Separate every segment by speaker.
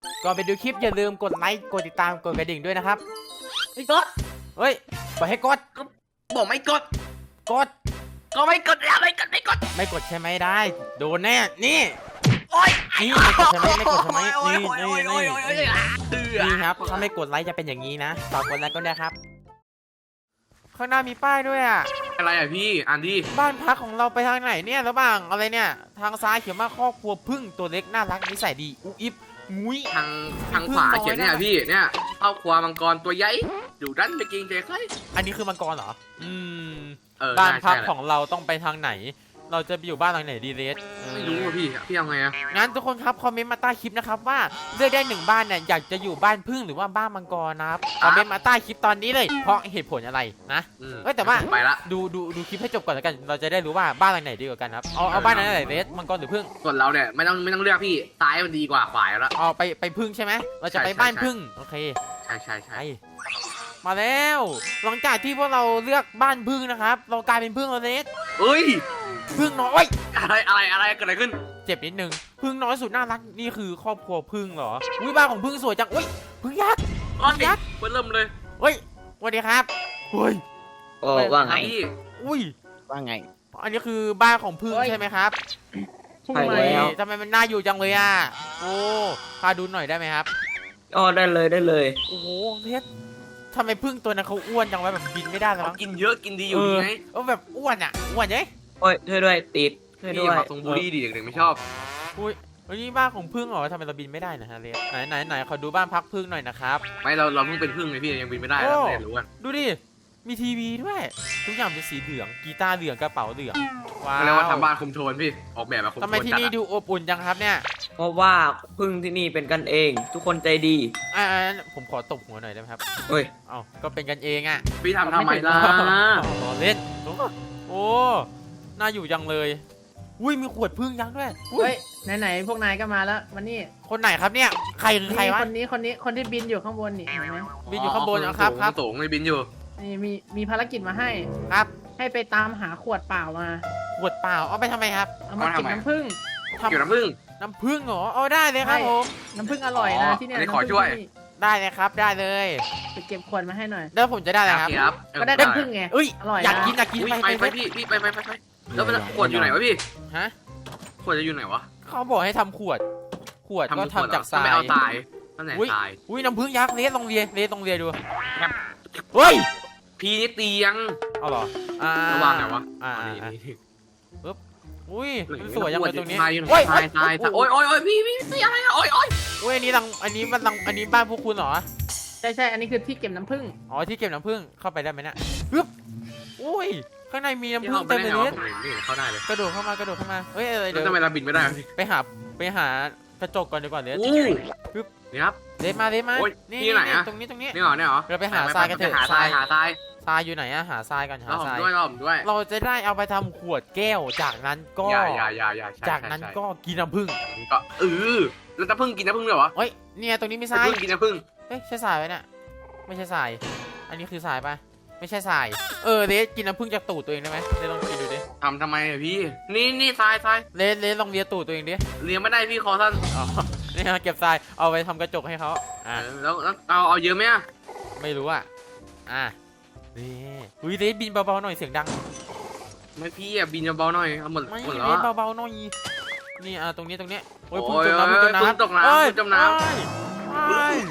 Speaker 1: ก่อนไปดูคลิปอย่าลืมกดไลค์กดติดตามกดกระดิ่งด้วยนะครับ
Speaker 2: ไม่กด
Speaker 1: เฮ้ยบอกให้กด
Speaker 2: บอกไม่กด
Speaker 1: กด
Speaker 2: ก็ไม่กดแล้วไม่กดไม่กด
Speaker 1: ไม่กดใช่ไหมได้โดนแน่นี่
Speaker 2: โอ๊ย
Speaker 1: นี่ไม่กดใช่ไหมไม่กดใช่ไหม
Speaker 2: โอ๊ย
Speaker 1: นี่
Speaker 2: โอ๊ย
Speaker 1: นี่
Speaker 2: โอ๊ย
Speaker 1: นี่
Speaker 2: โอ๊ยโอ๊ยเตือ
Speaker 1: นี่ครับถ้าไม่กดไลค์จะเป็นอย่างนี้นะฝากกดไลค์ก็ได้ครับ ข้างหน้ามีป้ายด้วยอ่ะ
Speaker 2: อะไรอ่ะพี่อ่านดิ
Speaker 1: บ้านพักของเราไปทางไหนเนี่ยระหว่างอะไรเนี่ยทางซ้ายเขียนว่าครอบครัวพึ่งตัวเล็กน่ารักนิสัยดีอุ๊บอิ๊บงุ้ย
Speaker 2: ทางขวาเขียนเนี่ยพี่เนี่ยครอบครัวมังกรตัวใหญ่อยู่ด้านไปกินเจใคร
Speaker 1: อันนี้คือมังกรเหรอม
Speaker 2: บ้า
Speaker 1: บ้าน น
Speaker 2: พั
Speaker 1: พั
Speaker 2: ก
Speaker 1: กของเราต้องไปทางไหน เราจะไปอยู่บ้านหลังไหนดีเลส
Speaker 2: ไม่รู้อ่ะพี่เอาไงอ่ะ
Speaker 1: งั้นทุกคนครับคอมเมนต์มาใต้คลิปนะครับว่าเลือกได้หนึ่งบ้านเนี่ยอยากจะอยู่บ้านพึ่งหรือว่าบ้านมังกรนะครับคอมเมนต์มาใต้คลิปตอนนี้เลยเพราะเหตุผลอะไรนะ เอ้ยแต่ว่า
Speaker 2: ไปละ
Speaker 1: ดูคลิปให้จบก่อนแล้วกันเราจะได้รู้ว่าบ้านหลังไหนดีกว่ากันครับเอาบ้านไหนเลสมังกรหรือพึ่ง
Speaker 2: ส่วนเราเนี่ยไม่ต้องเลือกพี่ซ้ายมันดีกว่าขวาแล้ว
Speaker 1: เอาไปพึ่งใช่ไหมเราจะไปบ้านพึ่งโอเค
Speaker 2: ใช่
Speaker 1: ไปมาแล้วหลังจากที่พวกเราเลือกบ้านพึ่งนะครับเรากลายเป็นพึ่งแล้วเลส
Speaker 2: เอ้ย
Speaker 1: พึ่งน้อย
Speaker 2: อะไรเกิดอะไรขึ้น
Speaker 1: เจ็บนิดนึงพึ่งน้อยสุดน่ารักนี่คือครอบครัวพึ่งเหรออุ้ยบ้านของพึ่งสวยจังอุ้ยพึ่งยักษ์ ยักษ์
Speaker 2: เริ่มเลย
Speaker 1: เฮ้ยสวัสดีครับเฮ้ย
Speaker 3: โอ้ว่าไง
Speaker 2: พี่
Speaker 1: อุ้ย
Speaker 3: ว่าไง
Speaker 1: อันนี้คือบ้านของพึ่ง
Speaker 3: เฮ้ย
Speaker 1: ใช่ไหมครับ
Speaker 3: ใช่แล้ว
Speaker 1: ทำไมมันน่าอยู่จังเลยอ่ะโอ้พาดูหน่อยได้ไหมครับ
Speaker 3: อ๋อได้เลยได้เลย
Speaker 1: โอ้โหเพชรทำไมพึ่งตัวนั้นเขาอ้วนจังวะแบบบินไม่ได้แล้ว
Speaker 2: เขา
Speaker 1: มั้ง
Speaker 2: กินเยอะกินดีอยู่ดีไง
Speaker 1: แบบอ้วนอ่ะอ้วนเย้
Speaker 3: โอ้ยช่วยด้วยติดช่วยด้
Speaker 2: พี่
Speaker 3: วย
Speaker 2: มาทรงบูลลี่ดิเด็กๆไม่ชอบ
Speaker 1: อุ้ยอันนี้บ้านของพึ่งเหรอทำไมเราบินไม่ได้นะฮะเลสไหนขอดูบ้านพักพึ่งหน่อยนะครับ
Speaker 2: ไม่เราเพิ่งเป็นพึ่งไงพี่ยังบินไม่ได้แล้วไม่รู้กัน
Speaker 1: ดูดิมีทีวีด้วยทุกอย่างเป็นสีเหลืองกีตาร์เหลืองกระเป๋าเหลืองว้า
Speaker 2: เรียกว่าทำ
Speaker 1: ว
Speaker 2: บ้านคุมโทนพี่ออกแบบมาคุมโทน
Speaker 1: ทำไมที่นี่ดูอบอุ่นจังครับเนี่ย
Speaker 3: เพราะว่าพึ่งที่นี่เป็นกันเอง ทุกคนใจดี
Speaker 1: ผมขอตบหัวหน่อยได้ไหมครับ
Speaker 3: เฮ้ย
Speaker 1: เอ้าก็เป็นกันเองอ่ะ
Speaker 2: พี่ทำไมล่ะ
Speaker 1: รอเล่นโอ้น่าอยู่จังเลยอุ้ยมีขวดพึ่งยักษ์ด้วยอุ้ย
Speaker 4: เฮ้ยไหนๆพวกนายก็มาแล้วมานี่
Speaker 1: คนไหนครับเนี่ยใครคือใครวะ
Speaker 4: คนที่บินอยู่ข้างบนนี่เห็นไหม
Speaker 1: บินอยู่ข้างบนนะครับครับ
Speaker 2: สูงเลยบินอยู่
Speaker 4: นี่มีภารกิจมาให้
Speaker 1: ครับ
Speaker 4: ให้ไปตามหาขวดเปล่ามา
Speaker 1: ขวดเปล่าเอาไปทำไมครับ
Speaker 4: เอามาเก็บน้ำผึ้ง
Speaker 2: เกี่ยวน้ำผึ้ง
Speaker 1: น้ำผึ้งเหรอเอาได้เลยครับ
Speaker 4: ใช่
Speaker 1: ผม
Speaker 4: น้ำผึ้งอร่อยนะ
Speaker 2: อ๋อ
Speaker 4: ที่เนี่ย
Speaker 2: อันนี้
Speaker 4: น้ำ
Speaker 2: ขอ
Speaker 4: ผึ้ง
Speaker 2: ช่วย
Speaker 4: ที่นี่
Speaker 1: ได้เลยครับได้เลย
Speaker 4: ไปเก็บขวดมาให้หน่อย
Speaker 1: แล้วผมจะได้อะไรครับ
Speaker 2: ครับ
Speaker 4: ก็ได้น้ำผึ้งไง
Speaker 1: เอ้ย
Speaker 4: อร่อยนะ
Speaker 1: อยากกิน
Speaker 2: อุ้ย
Speaker 1: ไป
Speaker 2: ไปพี่ไปแล้วขวดอยู่ไหนวะพี่
Speaker 1: ฮะ
Speaker 2: ขวดจะอยู่ไหนวะ
Speaker 1: เขาบอกให้ทำขวดก็ทำจากทราย
Speaker 2: ไม่เอาทรายตั้งแต่ทราย
Speaker 1: อุ้ยน้ำผึ้งยักษ์เลสลองเลียดูเฮ้ย
Speaker 2: พี่นี่เตียง
Speaker 1: เอาเหรอระ
Speaker 2: วางไหนวะ
Speaker 1: นี่อุ้ยมันสวยยังเลยตรงนี้
Speaker 2: ทราย
Speaker 1: โอ้ย
Speaker 2: ทรายโอ้ยพี่ตีอะไรอะโอ้ย
Speaker 1: อุ้ยอันนี้บ้านพวกคุณเหรอ
Speaker 4: ใช่อันนี้คือที่เก็บน้ำผึ้ง
Speaker 1: อ๋อที่เก็บน้ำผึ้งเข้าไปได้ไหมเนี่ยปึ๊บอุ้ยข้างในมีน้ำ
Speaker 2: พี่
Speaker 1: ผึ้
Speaker 2: เข้าง ไป
Speaker 1: เต็ม
Speaker 2: ได้
Speaker 1: เลย
Speaker 2: ไง
Speaker 1: เล
Speaker 2: วะ
Speaker 1: ส
Speaker 2: ผมไม่เข้าได้เลย
Speaker 1: กระโดดเข้ามาเฮ้ยอะไร
Speaker 2: แล้
Speaker 1: เดี๋ยว ว
Speaker 2: ทำไมเราบินไม่ได้พี่
Speaker 1: ไปหากระจกก่อนดีกว่าเลส
Speaker 2: อู้นี่ครับ
Speaker 1: เลสมา
Speaker 2: โอ้ย
Speaker 1: นี่
Speaker 2: ที่ไหนอะ
Speaker 1: ตรงนี้
Speaker 2: นี่เหรอ
Speaker 1: เราไปหาทรายกันเถอะ
Speaker 2: หาทราย
Speaker 1: ทรายอยู่ไหนอะหาทรายกันหา
Speaker 2: เราผม
Speaker 1: ทราย
Speaker 2: ด้วยเราผมด้วย
Speaker 1: เราจะได้เอาไปทำขวดแก้วจากนั้นก็
Speaker 2: อย่า
Speaker 1: จากนั้นก็กินน้ำผึ้ง
Speaker 2: ก็แล้วน้ำผึ้งกินน้ำผึ้งเลยเหรอ
Speaker 1: เฮ้ยเนี่ยตรงนี้มีทราย
Speaker 2: น้ำผึ้งกินน้ำผึ้ง
Speaker 1: เฮ้ยใช่ทรายไหมเนี่ยไม่ใช่ทรายอันนี้คือทรายปะไม่ใช่ทรายเลสกินน้ำผึ้งจากตูดตัวเองได้ไหมเลสลองกินดูดิ
Speaker 2: ทำไมอะพี่นี่ทราย
Speaker 1: เลสลองเลียตูดตัวเองดิ
Speaker 2: เลี้ยงไม่ได้พี่คอสั้น
Speaker 1: อ๋อนี่ฮะเก็บทรายเอาไปทำกระจกให้เขา
Speaker 2: แล้วเอาเยอะไหมอะ
Speaker 1: ไม่รู้นี่อุ้ยเลสบินเบาๆหน่อยเสียงดัง
Speaker 2: ไม่พี่อะบินเบาๆหน่อยเอาหมด
Speaker 1: ไม่
Speaker 2: แล้
Speaker 1: เล
Speaker 2: ว
Speaker 1: สเบาๆหน่อยนี่ตรงนี้โอ้ย
Speaker 2: โอ้
Speaker 1: พึ่ง
Speaker 2: ย
Speaker 1: จมน้ำพึ่งจมน้ำ
Speaker 2: พึ่งตกน้ำ
Speaker 1: เอ้ย
Speaker 2: พึ่งจมน้ำ
Speaker 1: เอ้ยเอ้ย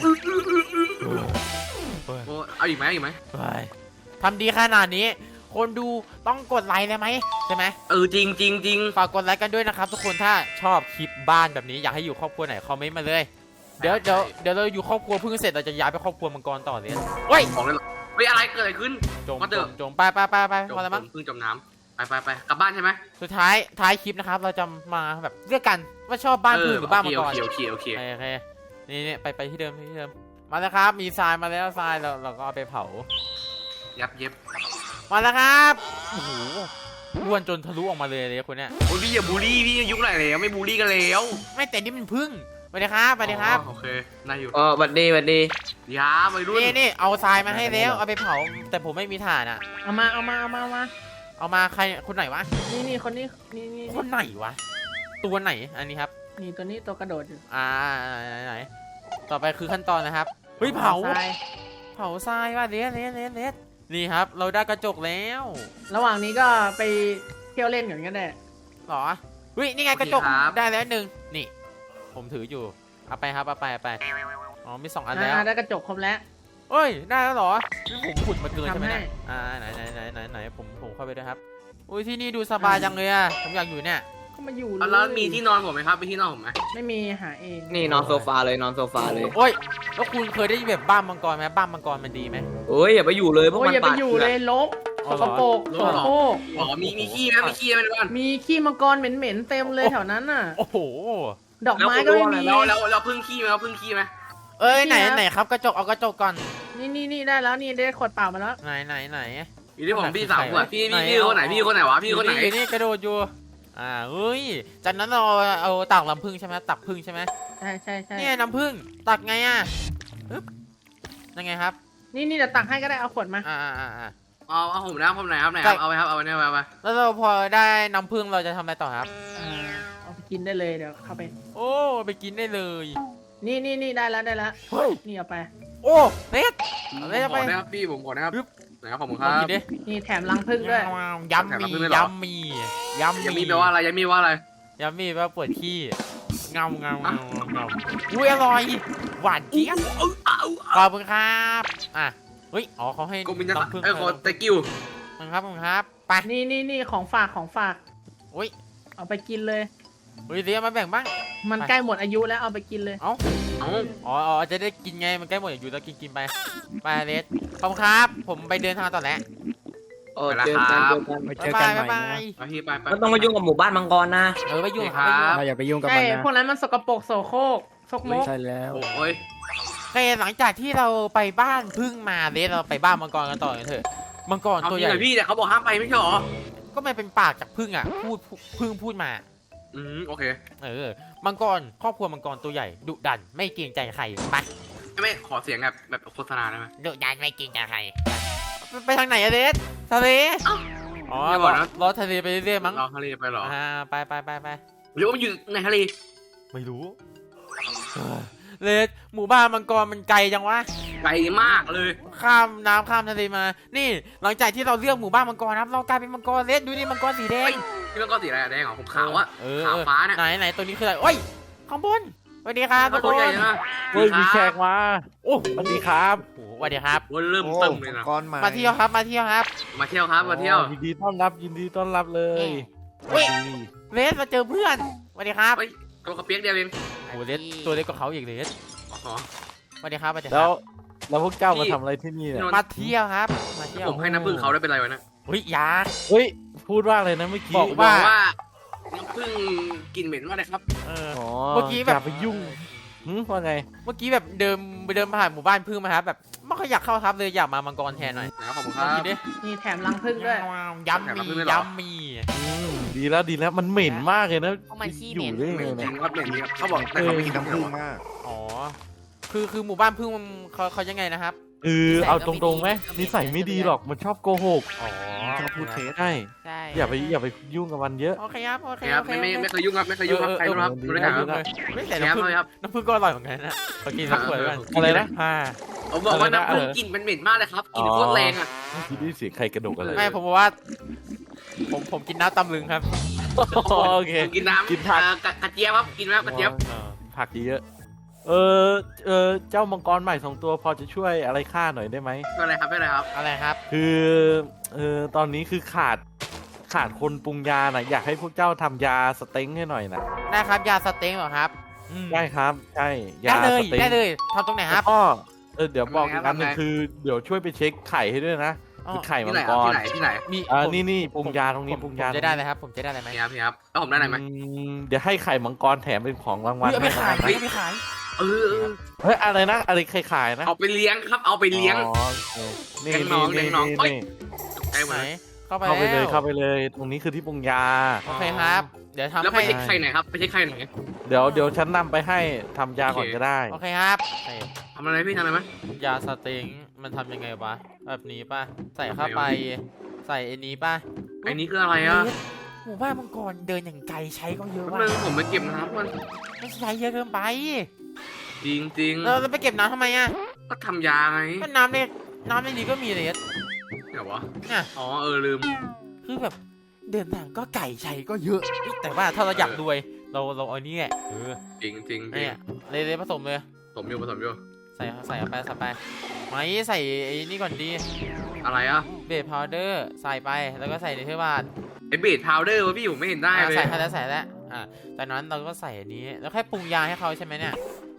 Speaker 2: เอาอีกไหม
Speaker 1: เฮ้ยทำดีขนาดนี้ คนดูต้องกดไลค์เลยไหมใช่ไหม
Speaker 2: จริง
Speaker 1: ฝากกดไลค์กันด้วยนะครับทุกคนถ้าชอบคลิปบ้านแบบนี้อยากให้อยู่ครอบครัวไหนคอมเมนต์มาเลยเดี๋ยวเราอยู่ครอบครัวพึ่งเสร็จเราจะย้ายไปครอบครัวมังกรต่อเลยเฮ้ย
Speaker 2: ของเลยเฮ้ยอะไรเกิดอะไรขึ้น
Speaker 1: จมไปพอแล้วมั้ง
Speaker 2: พึ่งจมน้ำไปกลับบ้านใช่ไหม
Speaker 1: สุดท้ายคลิปนะครับเราจะมาแบบเลือกกันว่าชอบบ้านพึ่งหรือบ้านมังกร
Speaker 2: โอเค
Speaker 1: โอเคนี่ไปที่เดิมมาแล้วครับมีทรายมาแล้วทรายเราก็เอาไปเผา
Speaker 2: ยับเย็บ
Speaker 1: มาแล้วครับโอ้โหอ้วนจนทะลุออกมาเลยคนเนี้ย
Speaker 2: โอ้ยพี่อย่าบูลลี่พี่ยุคไหนแล้วไม่บูลลี่กันแล้ว
Speaker 1: ไม่แต่นี่มันพึ่งสวัสดีครับ
Speaker 2: โอเคน่าอยู่
Speaker 3: อ๋อบัดดี
Speaker 2: ยาไปรุ่น
Speaker 1: นี่เอาทรายมาให้แล้วเอาไปเผาแต่ผมไม่มีถ่านอ่ะ
Speaker 4: เอามา
Speaker 1: ใครคนไหนวะ
Speaker 4: นี่คนนี้นี่
Speaker 1: คนไหนวะตัวไหนอันนี้ครับ
Speaker 4: นี่ตัวนี้ตัวกระโดดอยู่
Speaker 1: ไหนต่อไปคือขั้นตอนนะครับเฮ้ยเผา
Speaker 4: ทราย
Speaker 1: เผาทรายว่ะเลสนี่ครับเราได้กระจกแล้ว
Speaker 4: ระหว่างนี้ก็ไปเที่ยวเล่นกันก็ได้
Speaker 1: หรอเฮ้ยนี่ไงกระจกได้แล้ว1นี่ ผมถืออยู่เอาไปครับเอาไปอ๋อมี2อันแล้ว
Speaker 4: ได้กระจกครบแล้ว
Speaker 1: เอ้ยได้แล้วเหรอผมขุดมาเกินใช่ไหม
Speaker 4: ทำให้
Speaker 1: เนี่ยไหนผมเข้าไปด้วยครับอุ้ยที่นี่ดูสบายจังเลยอะผมอยากอยู่เนี่ย
Speaker 4: ก็มาอยู่
Speaker 2: แล้วมีที่นอนผมไหมครับมีที่นอนผมไหม
Speaker 4: ไม่มีหาเอง
Speaker 3: นี่นอนโซฟาเลยนอนโซฟาเลย
Speaker 1: โอ้ยแล้วคุณเคยได้ยินแบบบ้านมังกรไหมบ้านมังกรมันดีไหม
Speaker 3: เอ้ยอย่าไปอยู่เลยพวก
Speaker 4: โอ้ย
Speaker 3: มัน
Speaker 4: อย่าไป
Speaker 3: ปาด
Speaker 4: อยู่เลยลก
Speaker 1: อ๋
Speaker 4: ส
Speaker 1: อเหรอ
Speaker 4: กปรกโสโครก
Speaker 2: อ๋อมีขี้ไหมมีขี้ไหมในบ้าน
Speaker 4: มีขี้มังกรเหม็นๆเต็มเลยแถวนั้นน่ะ
Speaker 1: โอ้โห
Speaker 4: ดอกไม้ก็ไม่มี
Speaker 2: แล้วพึ่งขี้ไหมเราพึ่งขี้ไหม
Speaker 1: เอ้ยไหน
Speaker 4: นี่นะ
Speaker 1: ไหนครับกระจกเอากระจกก่อน
Speaker 4: นี่ได้แล้วนี่ได้ขวดเปล่ามาแล้ว
Speaker 1: ไหน
Speaker 2: อยู่ที่ผมพี่สาวขวดพี่
Speaker 1: ไหน
Speaker 2: คนไหนพี่คนไหนวะพี่คนไหน
Speaker 1: อยู่นี่กระโดดอยู่เฮ้ยจากนั้นเราเอาตักน้ำผึ้งใช่ไหมตักผึ้งใช่ไหม
Speaker 4: ใช่
Speaker 1: เนี่ยน้ำผึ้งตักไงอ่ะปึ๊บยังไงครับ
Speaker 4: นี่เดี๋ยวตักให้ก็ได้เอาขวดมา
Speaker 2: เอาผมนะผมไหนครับไหนครับเอาไปครับเอาไปเนี่ยเอาไป
Speaker 1: แล้วเราพอได้น้ำผึ้งเราจะทำอะไรต่อครับ
Speaker 4: เอาไปกินได้เลยเดี๋ยวเข้าไป
Speaker 1: โอ้ไปกินได้เลย
Speaker 4: นี่ได้แล้ว
Speaker 1: เฮ้ย
Speaker 4: นี่เอาไป
Speaker 1: โอ้เน็ต
Speaker 2: ผมขอนะครับพี่ผมขอนะครับไหนครับผมค
Speaker 1: ล
Speaker 2: รั
Speaker 1: อง
Speaker 2: บ
Speaker 1: กินดิ
Speaker 4: นี่แถมรังผึ้งด้วย
Speaker 1: ยำมียำมี
Speaker 2: ยังมีแปลว่าอะไรยังมีว่าอะไร
Speaker 1: ยำมีแปลว่าปวดขี้เงาอุ้ยอร่อยหวานเจี๊ยบขอบคุณครับเฮ้ยอ๋อเขาให้
Speaker 2: กูมีจะ
Speaker 1: น้ำผึ้ง
Speaker 2: ขอตะกิ้ว
Speaker 1: ขอบคุณครับไป
Speaker 4: นี่ของฝาก
Speaker 1: อุ้ย
Speaker 4: เอาไปกินเลย
Speaker 1: เฮ้ยเรียกมาแบ่งบ้าง
Speaker 4: มันใกล้หมดอายุแล้วเอาไปกินเลย
Speaker 1: เอ้า
Speaker 2: เอ้า
Speaker 1: อ๋อจะได้กินไงมันใกล้หมดอยู่แล้วกินไปเลสขอบคุณครับ ผมไปเดินทางต่อแล้ว
Speaker 3: โอ้เจอกัน
Speaker 5: ไปเจอกันใหม่
Speaker 1: บ๊ายบาย
Speaker 5: นะ
Speaker 2: ไปพี่ไป
Speaker 3: ไม่ต้องมายุ่งกับหมู่บ้านมังกรนะ
Speaker 1: ไปยุ่ง
Speaker 2: ครับ
Speaker 5: เราอย่าไปยุ่งกับ
Speaker 4: ใช่
Speaker 5: มันนะ
Speaker 4: พวกนั้นมันสกปรกโสโครกซกม
Speaker 5: ไม่
Speaker 4: ก
Speaker 5: ใช่แล้ว
Speaker 2: โอ้ย
Speaker 1: โอเคหลังจากที่เราไปบ้านพึ่งมาเลสเราไปบ้านมังกรกันต่อกันเถอะมังกร
Speaker 2: เอา
Speaker 1: ตัว
Speaker 2: จ
Speaker 1: ให
Speaker 2: ริง
Speaker 1: ญ่
Speaker 2: เหรอพี่แต่เขาบอกห้ามไปไม่ใช่หรอ
Speaker 1: ก็ไม่เป็นปากจากพึ่งอ่ะพึ่งพูดมา
Speaker 2: โอเค
Speaker 1: มังกรครอบครัวมังกรตัวใหญ่ดุดันไม่เกรงใจใครไป
Speaker 2: ไม่ขอเสียงแบบโฆษณาได้ไหม
Speaker 1: ดุดันไม่เกรงใจใครไปทางไหนอะเลสทะเลอ๋อ
Speaker 2: ไม่บอกนะ
Speaker 1: รอทะเลไปเรื่อยๆมั้ง
Speaker 2: เราทะเลไปหรอ
Speaker 1: ไป
Speaker 2: หรือว่ามันอยู่ในทะเล
Speaker 1: ไม่รู้เลสหมู่บ้านมังกรมันไกลจังวะ
Speaker 2: ไกลมากเลย
Speaker 1: ข้ามน้ำข้ามทะเลมา นี่หลังจากที่เราเลือกหมู่บ้านมังกรนะครับเรากลายเป็นมังกรเลสดูดิมังกรสีแดง
Speaker 2: นี่มันก็สีอะไรแดงเหรอผมขาวอะ
Speaker 1: เออ
Speaker 2: ขาวฟ้าเนี่ย
Speaker 1: ไหนตัวนี้คืออะไรโอ้ยข้างบนสวัสดีครับทุกค
Speaker 2: ตัวใหญ่
Speaker 1: น
Speaker 2: นะ
Speaker 5: เฮ้ยมีแขกมา
Speaker 1: โอ้
Speaker 5: สวัสดีครับ
Speaker 1: โหสวัสดีครับ
Speaker 2: วันเริ่มเติมเลยนะ
Speaker 5: ก้อนใหม่
Speaker 1: มาเที่ยวครับมาเที่ยวครับ
Speaker 2: มาเที่ยวครับมาเที่ยว
Speaker 5: ยินดีต้อนรับยินดีต้อนรับเลย
Speaker 1: เฮ้ย
Speaker 5: สวัสดี
Speaker 1: เลสมาเจอเพื่อนสวัสดีครับ
Speaker 2: เฮ้ยตัวกระเปียกเดียวเอง
Speaker 1: โอ้เลสตัวเล็กกว่าเขาอีกเลส
Speaker 2: อ๋อ
Speaker 1: สวัสดีครับสวัสดีค
Speaker 5: แล้
Speaker 1: รั
Speaker 5: ว
Speaker 1: บ
Speaker 5: แล้วพวกเจ้า
Speaker 2: พี่
Speaker 5: มาทำอะไรที่นี่เนี่ย
Speaker 1: มาเที่ยวครับมาเที่ยว
Speaker 2: ผมให้น้ำผึ้งเขาได้เป็นไรวะนะ
Speaker 1: เฮ้ยยา
Speaker 5: เฮ้ยพูดว่าอะไรนะเมื่อกี้
Speaker 1: บอก
Speaker 2: บอกว่าน้ำผึ้งกลิ่นเหม็นมากเลยครับ
Speaker 1: เออ
Speaker 5: อ๋อ
Speaker 1: เมื่อกี้แบบ
Speaker 5: อย่าไปยุ่งว่าไง
Speaker 1: เมื่อกี้แบบเดินผ่านหมู่บ้านพึ่งมาครับแบบไม่ค่อยอยากเข้าครับเลยอยากมามังกรแทนหน่อย
Speaker 2: นะครับขอบคุณค
Speaker 1: ลอง
Speaker 2: รับ
Speaker 1: กินดิ
Speaker 4: นี่แถมรังผึ้งด้วย
Speaker 1: ยำมียำมี
Speaker 5: ดีแล้วมันเหม็นมากเลยนะ
Speaker 1: เพราะมันขี้
Speaker 5: อ
Speaker 1: เหม็
Speaker 5: ยู่
Speaker 1: น
Speaker 5: ได้
Speaker 2: เหม็
Speaker 5: ไง
Speaker 2: นจริ
Speaker 5: เนี่ย
Speaker 2: งครับเหม็นจริงครับเขาบอกแต่เขาไม่กินน้ำผึ้งมาก
Speaker 1: อ๋อคือหมู่บ้านพึ่งมันเขายังไงนะครับ
Speaker 5: เอาตรงๆไหมนิสัยไม่ดีหรอกมันชอบโกหก
Speaker 1: อ๋อ
Speaker 5: ชอบพูดเท็จใช่
Speaker 1: ใช่
Speaker 5: อย่าไปยุ่งกับมันเยอะ
Speaker 1: โอเคครับโอเค
Speaker 2: ครับ
Speaker 1: โอเค
Speaker 2: ไม่เคยยุ่งครับไม่เคยยุ่งครับใครรู้ครับดูได้ครับ
Speaker 1: ไม่แต่
Speaker 2: ครับเลยครับ
Speaker 1: น้ำผึ้งก็อร่อยเหมือนกันนะขอกินสักขวดกัน
Speaker 5: อะไรนะ
Speaker 2: ผมบอกว่าน้ำผึ้งกลิ่นมันเหม็นมากเลยครับกลิ่นโคตรแรงอ่ะ
Speaker 5: คิดได้เสียงใครกระดกอะไร
Speaker 1: ไม่ผมบอกว่า ผมกินน้ำตำลึงครับ
Speaker 5: โอเค
Speaker 2: กินน้ำ
Speaker 5: กินผัก
Speaker 2: กระเจี๊ยบครับกินไหมกระเจี๊ยบ
Speaker 5: ผักเยอะเจ้ามังกรใหม่2ตัวพอจะช่วยอะไรข้าหน่อยได้ไหม
Speaker 2: ก็อะไรครับไม่อะไรครับ
Speaker 1: อะไรครับ
Speaker 5: คือตอนนี้คือขาดคนปรุงยาน่ะอยากให้พวกเจ้าทำยาสเต็งให้หน่อยนะ
Speaker 1: ได้ครับยาสเต็งเหรอครับ
Speaker 5: ได้ครับใช่ยา
Speaker 1: ได้เลย
Speaker 5: สเต็ง
Speaker 1: ได้เลยทำตรงไหนค
Speaker 5: แล้
Speaker 1: รับ
Speaker 5: วก็เดี๋ยวบอกอีกอันหนึงคือเดี๋ยวช่วยไปเช็คไข่ให้ด้วยนะคือไข่มั
Speaker 2: ที่
Speaker 5: ง
Speaker 2: ไหน
Speaker 5: กร
Speaker 2: ที่ไหน
Speaker 1: มี
Speaker 5: นี่ปรุงยาตรงนี้ปรุงยา
Speaker 1: ผมจะได้เลยครับ ผมจะได้อะไรไหม
Speaker 2: พี่ครับแล้วผมได้อะไรไหม
Speaker 5: เดี๋ยวให้ไข่มังกรแถมเป็นของรางวัล
Speaker 1: เอาไปขาย
Speaker 5: ให้
Speaker 1: เอาไปขาย
Speaker 2: เออ
Speaker 5: เฮ้ยอะไรนะอะไรใครขายนะ
Speaker 2: เอาไปเลี้ยงครับเอาไปเลี้ยง
Speaker 5: อ๋อโอเคนี่
Speaker 2: เลี้ยงน้องเลี้ยงน้องเอ้ย ไอ้เหมื
Speaker 1: ไหน
Speaker 2: อน
Speaker 1: เข้าไป
Speaker 5: เข้าไปเลย
Speaker 1: แล้ว
Speaker 5: เข้าไปเลย ตรงนี้คือที่ปรุงยา
Speaker 1: โอเคครับ เดี๋ยวทำ
Speaker 2: แล้วไป
Speaker 1: ให้
Speaker 2: เช็คไข่ไหนครับไปเช็คไข่ไหน
Speaker 5: เดี๋ยวฉันนำไปให้ทำยาก่อนก็ได้
Speaker 1: โอเคครับ
Speaker 2: ทำอะไรพี่ทำอะไรไหม
Speaker 1: ยาสเต็งมันทำยังไงวะแบบนี้ป่ะใส่เข้าไปใส่ไอ้นี้ป่ะ
Speaker 2: ไอ้นี้คืออะไรอ่ะ
Speaker 1: หมู่บ้านมังกรเดินอย่างไกลใช้ก็เยอะ
Speaker 2: มั
Speaker 1: ว่ะ
Speaker 2: นผมไปเก็บน้ำมัน
Speaker 1: ไม่ใช้เยอะเกินไป
Speaker 2: จริงจริง
Speaker 1: เราไปเก็บน้ำทำไมอ่ะ
Speaker 2: ก็ทำยาไง
Speaker 1: ก็น้ำในนี้ก็มีเลย
Speaker 2: เดี๋ยววะ
Speaker 1: เนี่ย
Speaker 2: อ๋อลืม
Speaker 1: คือแบบเดินทางก็ไก่ชัยก็เยอะ แต่ว่าถ้าเราอยากรวยเราเอานี่แหละ
Speaker 2: จริงจริง
Speaker 1: เนี่ยเลยผสมเลย
Speaker 2: ผสมอยู่
Speaker 1: ใส่เอาไปไม่ใส่ไอ้นี่ก่อนดี
Speaker 2: อะไรอ่ะ
Speaker 1: เบสพาวเดอร์ใส่ไปแล้วก็ใส่ในเทวาด
Speaker 2: ไอเบสพาวเดอร์วะพี่ผมไม่เห็นได้เลย
Speaker 1: ใส่แล้วจากนั้นเราก็ใส่อันนี้แล้วแค่ปรุงยาให้เขาใช่ไหมเนี่ย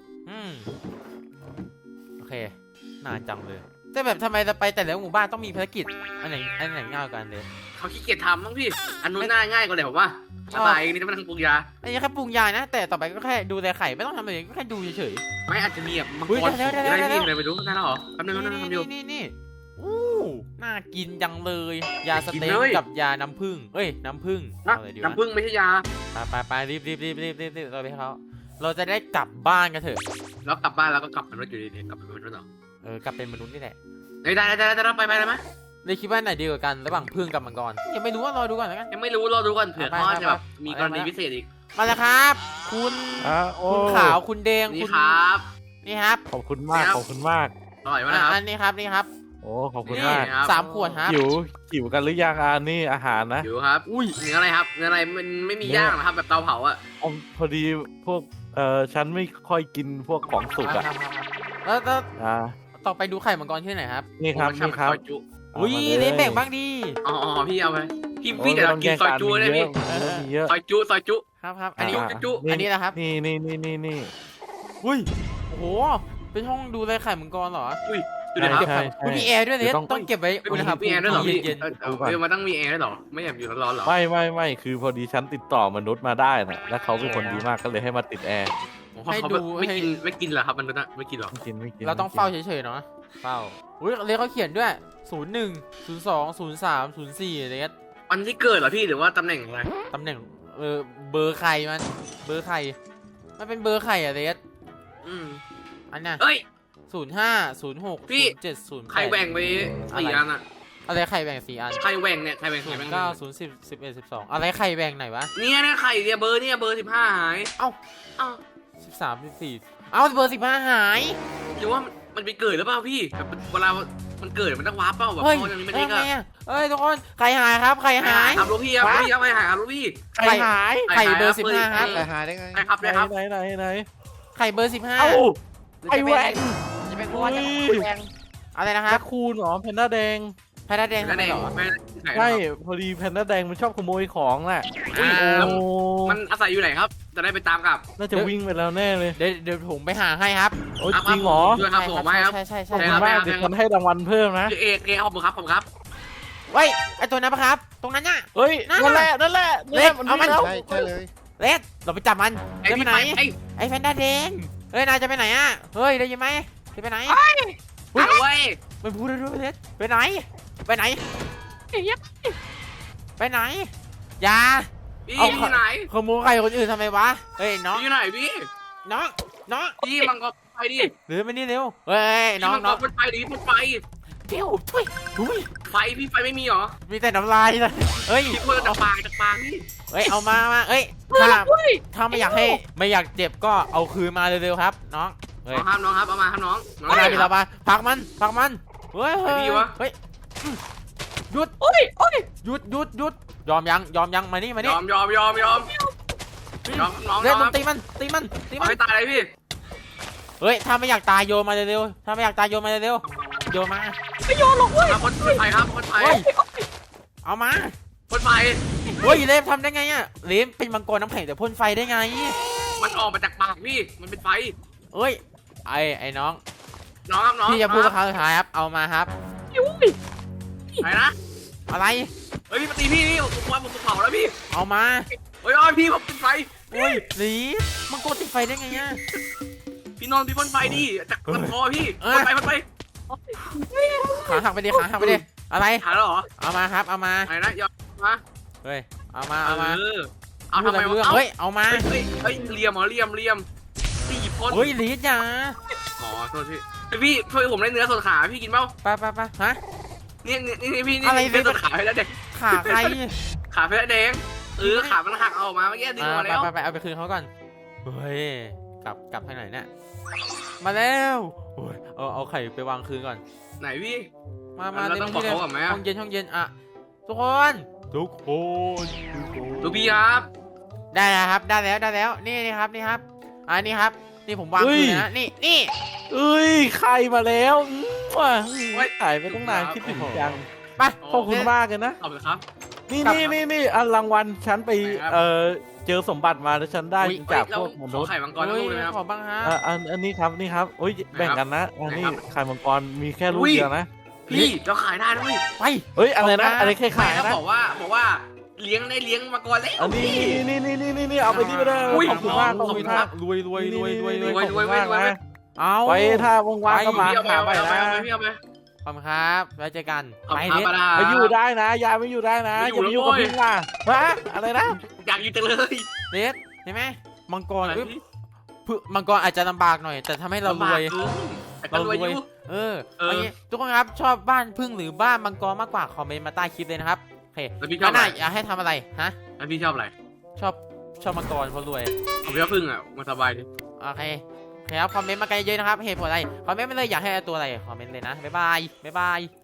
Speaker 1: โอเคนานจังเลยแต่แบบทำไมจะไปแต่ละหมู่บ้านต้องมีภารกิจอันไหนง่ายกว่ากันเลย
Speaker 2: เขาขี้เกียจทำมั้งพี่อันนู้นง่ายกว่าเลยผมว่าสบายนี่จะมาทำปรุงยา
Speaker 1: อันนี้แค่ปรุงยานะแต่ต่อไปก็แค่ดูแลไข่ไม่ต้องทำอะไรก็แค่ดูเฉย
Speaker 2: ไม่อาจจะมีแบบมัง
Speaker 1: เฮ้ย
Speaker 2: กร
Speaker 1: ได้
Speaker 2: อะไรพี่อะไรไม่รู้ได้แล้วเหรอแป๊บนึง
Speaker 1: ๆ
Speaker 2: ทำอยู่
Speaker 1: นี่อู้น่ากินจังเลย ยาสเต็ก
Speaker 2: กินเลย
Speaker 1: กับยาน้ำผึ้งเอ้ยน้ำผึ้ง
Speaker 2: นะ
Speaker 1: เอาอะไรดีวะ
Speaker 2: น้ำผึ้งไม่ใช่ยา
Speaker 1: ไปรีบเราไปให้เขาเราจะได้กลับบ้านกันเถอะ
Speaker 2: แล้วกลับบ้านแล้วก็กลับเป็นรถอยู่ดีๆกลับเป็นรถเหรอก
Speaker 1: ลับเป็นมนุษย์นี่แหละ
Speaker 2: ได้ไปเลยไหม
Speaker 1: เลยคิดว่าไหนดีกว่ากันระหว่างผึ้งกับมังกรยังไม่รู้ว่ารอดูก่อนแล้วกัน
Speaker 2: ยังไม่รู้รอดูก่อนเผื่อ
Speaker 1: ไป
Speaker 2: เขา
Speaker 1: ไป
Speaker 2: จะแบบ
Speaker 1: ไป
Speaker 2: มีกรณีพิเศษอีก
Speaker 1: มาแล้วครับ คุณ
Speaker 5: โอ้
Speaker 1: คุณขาวคุณแดง
Speaker 2: นี่
Speaker 1: คุณ
Speaker 2: ครับ
Speaker 1: นี่ครับ
Speaker 5: ขอบคุณมาก
Speaker 2: ครับ
Speaker 5: ขอบคุณมาก
Speaker 2: อร่อยมากนะครับ
Speaker 1: อันนี้ครับนี่ครับ
Speaker 5: โอ้ขอบคุณ
Speaker 2: นี่
Speaker 5: มาก
Speaker 2: ครับ
Speaker 1: 3 ขวดครับ
Speaker 5: หิวกันหรือยังนี่อาหารนะ
Speaker 2: อยู่ครับ
Speaker 1: อุ้ย
Speaker 2: เนื้ออะไรครับเนื้ออะไรมันไม่มีย่างนะครับแบบเตาเผาอ่ะ
Speaker 5: พอดีพวกฉันไม่ค่อยกินพวกของสุกอ่ะ
Speaker 1: แล้ว
Speaker 5: อ่า
Speaker 1: ต่อไปดูไข่มังกรที่ไหนครับ
Speaker 5: นี่ครับ
Speaker 2: ผมชอ
Speaker 5: นี่ครับ
Speaker 2: ซอยจุ
Speaker 1: อุ้ย
Speaker 5: อามา
Speaker 1: เล่นแบ่งบ้างดี
Speaker 2: อ๋อพี่เอาไปพี่
Speaker 5: โอ้
Speaker 2: พี่เดี๋ยวเรา
Speaker 5: ไม่
Speaker 2: กิน
Speaker 5: ต้
Speaker 2: ซอยจุ
Speaker 5: ง
Speaker 2: ได้
Speaker 5: แย่
Speaker 2: พี่
Speaker 5: งกันมีเยอะ
Speaker 2: ซอยจุ
Speaker 1: ครับอันนี้
Speaker 2: จุ
Speaker 1: อันนี้นะครับ
Speaker 5: นี่
Speaker 1: อุ้ยโอ้โหเป็นห้องดูแลไข่มังกรเหรอ
Speaker 2: อุ้ยดูดิครับ
Speaker 5: ใช่
Speaker 1: อุ้ยมีแอร์ด้วยเนี่ยต้องเก็บไว้อุณหภู
Speaker 2: มี
Speaker 1: มิ
Speaker 2: แอร์ด้วยเหรอพี่
Speaker 1: เย็น
Speaker 2: มันต้องมีแอร์ด้วยเหรอไม่อยากอยู่ร้อนๆเหรอ
Speaker 5: ไม่คือพอดีฉันติดต่อมนุษย์มาได้นะแล้วเขาเป็นคนดีมากก็เลยให้มาติดแอร์
Speaker 2: เขาไม่กินเหรอครับมันนะไม่กินเหรอ
Speaker 5: ไม่กิน
Speaker 1: เราต้องเฝ้าเฉยๆเนาะเฝ้าอุ้ยเลยเขาเขียนด้วย01 02 03 04อะไรเงี้ย
Speaker 2: วันที่เกิดเหรอพี่หรือว่าตำแหน่งอะไร
Speaker 1: ตำแหน่งเบอร์ไข่มันเบอร์ไข่มันเป็นเบอร์ไข่อะเรส อันน่ะ
Speaker 2: เอ้ย
Speaker 1: 05 06
Speaker 2: พี่
Speaker 1: 07 08
Speaker 2: ใครแหว่งไปสี่อันอะ
Speaker 1: อะไรไข่แบ่ง4 อัน
Speaker 2: ใครแหว่งเนี่ยใครแหว่ง
Speaker 1: 9 0 10 11 12อะไรไข่แบ่งไหนวะ
Speaker 2: เนี่ยนะไข่เนี่ยเบอร์15หาย
Speaker 1: เอ้า
Speaker 2: เอ้า
Speaker 1: 13 14เอ้าเบอร์15หาย
Speaker 2: หรือว่ามันไปเกิดหรือเปล่าพี่แบบเวลามันเกิดมันต้องวาร์ปเปล่าแบบ
Speaker 1: เฮ้ย
Speaker 2: พออย่างนี้มัน
Speaker 1: เอ้
Speaker 2: เอย ง
Speaker 1: ไง
Speaker 2: อะ
Speaker 1: อะเอ้ยทุกคนไข่หายครับไข่หาย
Speaker 2: ครับลูกพี่ครับลูกพี่ครับไข่หายครับลูกพี่
Speaker 5: ใครหาย
Speaker 1: ไข่เบอร์15ครับ
Speaker 2: ไข่
Speaker 6: หายได้ไง
Speaker 2: ครับ
Speaker 5: ไหน
Speaker 2: นะครับ
Speaker 5: ไหน
Speaker 1: ไข่เบอร์15
Speaker 5: เอ้าไอแหวง
Speaker 6: จะเป็นเพราะว่าจะ
Speaker 5: อุ้ย
Speaker 6: แดง
Speaker 1: อะไรนะค
Speaker 5: แร
Speaker 1: รับ
Speaker 5: คคูนเหรอแพนด้าแดง
Speaker 1: แพนด้าแดง
Speaker 2: นั่นเอง
Speaker 1: เหรอ
Speaker 2: ไม่
Speaker 5: ใช่พอดีแพนด้าแดงมันชอบขโมยของน่ะ
Speaker 1: อ่า
Speaker 5: โอ้
Speaker 2: มันอาศัยอยู่ไหนครับ จะได้ไปตามกับ
Speaker 5: น่าจะวิ่งไปแล้วแน่เลย
Speaker 1: เดี๋ยวผมไปหาให้ครับ
Speaker 5: โอ้ยจริงเหรอ
Speaker 2: ด้วยครับผมไม่ครับ
Speaker 1: ใช่
Speaker 5: ขอบ
Speaker 2: ใช่
Speaker 5: คุณ
Speaker 2: ครับ
Speaker 5: มากเดี๋ยวฉันให้รางวัลเพิ่มนะ
Speaker 2: เอกขอบคุณครับขอบคุณครับ
Speaker 1: เว้ยไอตัวนั้นปะครับ ตรงนั้นน่ะ
Speaker 5: เฮ้ย
Speaker 1: นั่
Speaker 5: นั่
Speaker 1: น
Speaker 5: น
Speaker 1: แห
Speaker 5: แห
Speaker 1: ละ
Speaker 5: ละนั่นแหละ
Speaker 1: เล็ก
Speaker 5: มัน
Speaker 1: เอามัน
Speaker 5: วิ่งแล้ว
Speaker 6: ใช่ใช่เลย
Speaker 1: เลสเราไปจับมัน
Speaker 2: ไอ้
Speaker 1: จะไป
Speaker 2: พี่
Speaker 1: ไหน
Speaker 2: ไอ้
Speaker 1: ไอแพนด้าแดงเฮ้ยนายจะไปไหนอ่ะเฮ้ยได้ยินไหมจะไปไหน
Speaker 2: เว้ย
Speaker 1: ไม่พูดเลยด้วยเลสไปไหนไปไหนไปไหนอย่า
Speaker 2: พี่
Speaker 1: เอา
Speaker 2: อยู่ไหน
Speaker 1: ขโมยไข่คนอื่นทำไมวะเฮ้ยน้อง
Speaker 2: พี่อยู่ไหนพี่
Speaker 1: น้อง
Speaker 2: พี่มังกรไปดิ
Speaker 1: หรือไม่นี่เร็วเฮ้ยน้อง
Speaker 2: มังกรไปดิมันไฟ
Speaker 1: เดี๋ยวทุยทุย
Speaker 2: ไฟพี่ไฟไม่มีเหรอ
Speaker 1: มีแต่น้ำลายเลยเฮ้ย
Speaker 2: พี่พูดจากปากพี่
Speaker 1: เฮ้ยเอามาเอ้ยถ้าไม่อยากให้ไม่อยากเจ็บก็เอาคืนมาเร็วๆครับน้องเฮ้ย
Speaker 2: น้องครับเอามาครับน้อง
Speaker 1: ไม่ได้มีเรามาพักมันเฮ้ย
Speaker 2: ไอ้พี่วะ
Speaker 1: เฮ้ยหยุดหยุดยอมยังมานี่
Speaker 2: ยอมน้อง
Speaker 1: เล่นตีมัน
Speaker 2: เอาให้ตายเลยพี่
Speaker 1: เฮ้ยถ้าไม่อยากตายโยนมาเร็วๆถ้าไม่อยากตายโยนมาเร็วๆโยนมา
Speaker 2: ครับคนไฟครับคนไฟ
Speaker 1: เฮ้ยเอามา
Speaker 2: คนไฟ
Speaker 1: เฮ้ยเลมทำได้ไงอ่ะเลมเป็นมังกรน้ำแข็งแต่พ่นไฟได้ไง
Speaker 2: มันออกมาจากปากพี่มันเป็นไฟ
Speaker 1: เอ้ยไอ้น้อง
Speaker 2: น้องครับน้อง
Speaker 1: พี่จะพูดครั้งสุดท้ายครับเอามาครับ
Speaker 2: ไหนนะ
Speaker 1: อะไร
Speaker 2: เฮ้ยพี่มาตีพี่นี่ผมว่าผมเผาแล้วพี่
Speaker 1: เอามา
Speaker 2: เฮ้ยพี่ผมเป็นไฟ
Speaker 1: เฮ้ยลีมังกรติดไฟได้ไงอ่ะ
Speaker 2: พี่นอนพี่พ่นไฟดิจากลำคอพี่พ่นไฟ
Speaker 1: ขาหักไปดิอะไร
Speaker 2: หายแล้วเหรอ
Speaker 1: เอามาครับเอามา
Speaker 2: ไหนนะยอมมา
Speaker 1: เฮ้ยเอามา
Speaker 2: เอาทำไม
Speaker 1: เรื่อง
Speaker 2: วะ
Speaker 1: เฮ้ยเอามา
Speaker 2: เฮ้ยเหลี่ยมเหรอเหลี่ยมตีพ่น
Speaker 1: เฮ้ยลีดอย่า
Speaker 2: อ๋อโทษพี่ช่วยผมได้เนื้อส่วนขาพี่กินเปล่า
Speaker 1: ไปฮะ
Speaker 2: นี่พี่นี่
Speaker 1: อะไร
Speaker 2: เนื้อส่วนขาให้แล้วเด็ก
Speaker 1: ขาใคร
Speaker 2: ขาเพชรแดงขามันหักออกมาเมื่อกี้ดึงออกมาแล้ว
Speaker 1: ไปเอาไปคืนเขาก่อนเฮ้ยกลับทางไหนเนี่ยมาแล้วโอ้ยเอาไข่ไปวางคืนก่อน
Speaker 2: ไหนพี่
Speaker 1: มา
Speaker 2: เราต้องบอกเขาก่อนไหมอะ
Speaker 1: ห้องเย็นอ่ะทุกคน
Speaker 2: ลูกพี่ครับ
Speaker 1: ได้แล้วครับได้แล้วนี่ครับนี่ครับนี่ผมวางคืนเลยนะนี่
Speaker 5: เอ้ยไข่มาแล้วว้าขายไปตั้งนานคิดถึงจัง
Speaker 1: ไป
Speaker 5: ขอบคุณมากเลยนะ
Speaker 2: ขอบคุณครับ
Speaker 5: นี่อันรางวัลฉันไป
Speaker 2: ไหนครับ
Speaker 5: เจอสมบัติมาแล้วฉันได้จากพวกม
Speaker 2: ข
Speaker 5: นุ
Speaker 2: อ
Speaker 5: ษย์
Speaker 2: ไข่มังกรทั้งลูกเลยไหมครับ
Speaker 1: ขอบ้างฮะ
Speaker 5: อันนี้ครับนี่ครับโอ้ยแบ่งกันนะอันนี้
Speaker 2: ไหนครับ
Speaker 5: ไข่มังกรมีแค่ลูก
Speaker 2: อุ้ย
Speaker 5: เดียวนะ
Speaker 2: พี่เราขายได้นะพี่
Speaker 1: ไป
Speaker 5: เฮ้ยอะไรนะอะไรแค่
Speaker 2: ไม่
Speaker 5: ขาย
Speaker 2: เขา
Speaker 5: นะ
Speaker 2: บอกว่าเลี้ยงได้เลี้ยงมาก่อนแล้ว
Speaker 5: อันนี้นี่เอาไปที่ไปเลย
Speaker 2: อุ้ย
Speaker 5: ขอบคุณมาก
Speaker 2: ขอบคุณครับ
Speaker 1: รวย
Speaker 5: ขอบคุณ
Speaker 2: รวย
Speaker 5: มากนะ
Speaker 1: เอา
Speaker 5: ไว้ถ้าว่างๆก็มา
Speaker 2: พี่เอาไป
Speaker 5: หา
Speaker 2: เอา
Speaker 5: ไป
Speaker 2: ไป
Speaker 5: นะ
Speaker 2: เอาไปพี่เอาไป
Speaker 1: ขอบคุณครับไว้เจอกัน
Speaker 2: ขอบ
Speaker 1: ไป
Speaker 2: คุณครับ
Speaker 1: เด็ด
Speaker 2: ปาดา
Speaker 5: ไปอยู่ได้นะยายไม่อยู่ได้นะ
Speaker 2: ไม่
Speaker 5: อย่าไป
Speaker 2: อยู่
Speaker 5: อยู่กับ
Speaker 2: แล้ว
Speaker 5: พึ่งล่ะฮะอะไรนะ
Speaker 2: อยากอยู่จังเลย
Speaker 1: เด็ดเห็นไหมมังกร
Speaker 2: อะไร
Speaker 1: อุ๊ย
Speaker 2: พี่
Speaker 1: มังกรอาจจะลำบากหน่อย แต่ทำให้เรารวย
Speaker 2: แต่ก็รวยอยู่
Speaker 1: เออ
Speaker 2: เออ
Speaker 1: เอางี้ทุกคนครับชอบบ้านพึ่งหรือบ้านมังกรมากกว่าคอมเมนต์มาใต้คลิปเลยนะครับโอเค
Speaker 2: แล้วพี่ชอบ
Speaker 1: ห
Speaker 2: อะไร
Speaker 1: น้าอยากให้ทำอะไรฮะ
Speaker 2: แล้วพี่ชอบอะไร
Speaker 1: ชอบมังกรเพราะรวย
Speaker 2: ผมชอบพึ่งอ่ะมันสบายดี
Speaker 1: โอเคครับคอมเมนต์มากันเยอะๆนะครับเหตุผลอะไรคอมเมนต์มาเลยอยากให้เอาตัวอะไรคอมเมนต์เลยนะบ๊ายบาย